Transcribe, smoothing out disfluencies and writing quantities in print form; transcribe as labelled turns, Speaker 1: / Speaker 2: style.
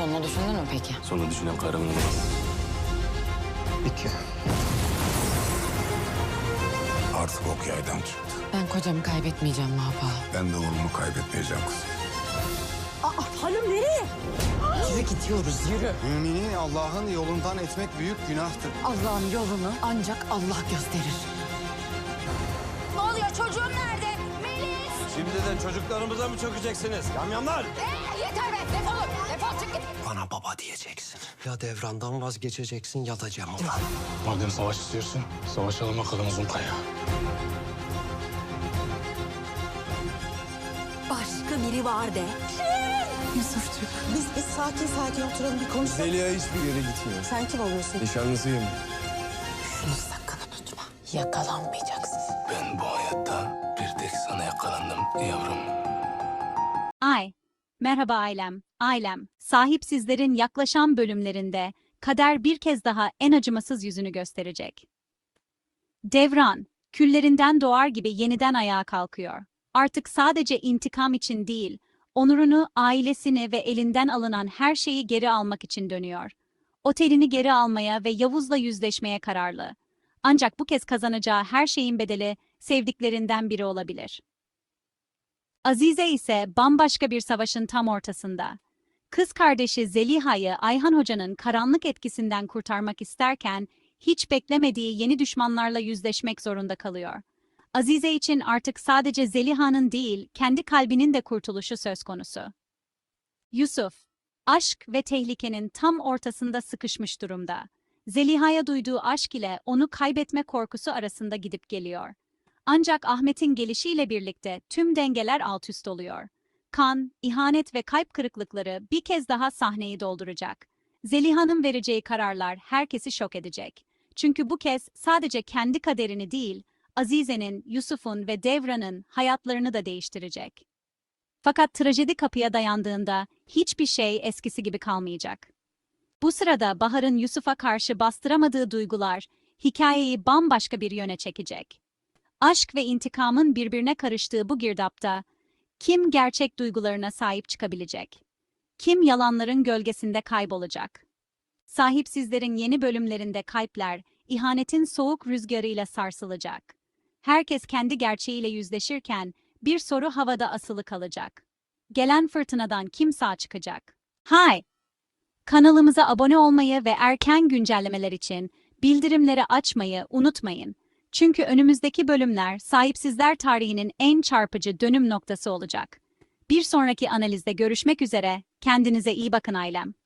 Speaker 1: Sonunu düşündün mü peki?
Speaker 2: Sonra düşünen kahraman olamaz.
Speaker 3: İki. Artık ok yaydan çıktı.
Speaker 1: Ben kocamı kaybetmeyeceğim Mahpa.
Speaker 3: Ben de oğlumu kaybetmeyeceğim kızım.
Speaker 4: Hanım nereye?
Speaker 1: Yürü gidiyoruz yürü.
Speaker 5: Mümini Allah'ın yolundan etmek büyük günahtır.
Speaker 1: Allah'ın yolunu ancak Allah gösterir.
Speaker 4: Ne oluyor, çocuğum nerede? Melis!
Speaker 2: Şimdiden çocuklarımıza mı çökeceksiniz? Yamyamlar!
Speaker 4: Yeter be, defolun. Defol çık git.
Speaker 5: Bana baba diyeceksin. Ya devrandan vazgeçeceksin ya da Cemal'dan.
Speaker 6: Madem savaş istiyorsun, savaşalım bakalım Zumpa'ya.
Speaker 4: Başka biri var de.
Speaker 1: Yusufçuk.
Speaker 4: Biz sakin oturalım bir konuşalım.
Speaker 3: Zeliha hiçbir yere gitmiyor.
Speaker 4: Sen kim oluyorsun?
Speaker 3: Nişanlısıyım.
Speaker 1: Şunu sakın unutma. Yakalanmayacaksın.
Speaker 2: Ben bu hayatta bir tek sana yakalandım yavrum.
Speaker 7: Merhaba ailem. Sahipsizlerin yaklaşan bölümlerinde kader bir kez daha en acımasız yüzünü gösterecek. Devran, küllerinden doğar gibi yeniden ayağa kalkıyor. Artık sadece intikam için değil, onurunu, ailesini ve elinden alınan her şeyi geri almak için dönüyor. Otelini geri almaya ve Yavuz'la yüzleşmeye kararlı. Ancak bu kez kazanacağı her şeyin bedeli sevdiklerinden biri olabilir. Azize ise bambaşka bir savaşın tam ortasında. Kız kardeşi Zeliha'yı Ayhan Hoca'nın karanlık etkisinden kurtarmak isterken hiç beklemediği yeni düşmanlarla yüzleşmek zorunda kalıyor. Azize için artık sadece Zeliha'nın değil, kendi kalbinin de kurtuluşu söz konusu. Yusuf, aşk ve tehlikenin tam ortasında sıkışmış durumda. Zeliha'ya duyduğu aşk ile onu kaybetme korkusu arasında gidip geliyor. Ancak Ahmet'in gelişiyle birlikte tüm dengeler altüst oluyor. Kan, ihanet ve kalp kırıklıkları bir kez daha sahneyi dolduracak. Zeliha'nın vereceği kararlar herkesi şok edecek. Çünkü bu kez sadece kendi kaderini değil, Azize'nin, Yusuf'un ve Devran'ın hayatlarını da değiştirecek. Fakat trajedi kapıya dayandığında hiçbir şey eskisi gibi kalmayacak. Bu sırada Bahar'ın Yusuf'a karşı bastıramadığı duygular hikayeyi bambaşka bir yöne çekecek. Aşk ve intikamın birbirine karıştığı bu girdapta kim gerçek duygularına sahip çıkabilecek? Kim yalanların gölgesinde kaybolacak? Sahipsizlerin yeni bölümlerinde kalpler ihanetin soğuk rüzgarıyla sarsılacak. Herkes kendi gerçeğiyle yüzleşirken bir soru havada asılı kalacak. Gelen fırtınadan kim sağ çıkacak? Kanalımıza abone olmayı ve erken güncellemeler için bildirimleri açmayı unutmayın. Çünkü önümüzdeki bölümler sahipsizler tarihinin en çarpıcı dönüm noktası olacak. Bir sonraki analizde görüşmek üzere, kendinize iyi bakın ailem.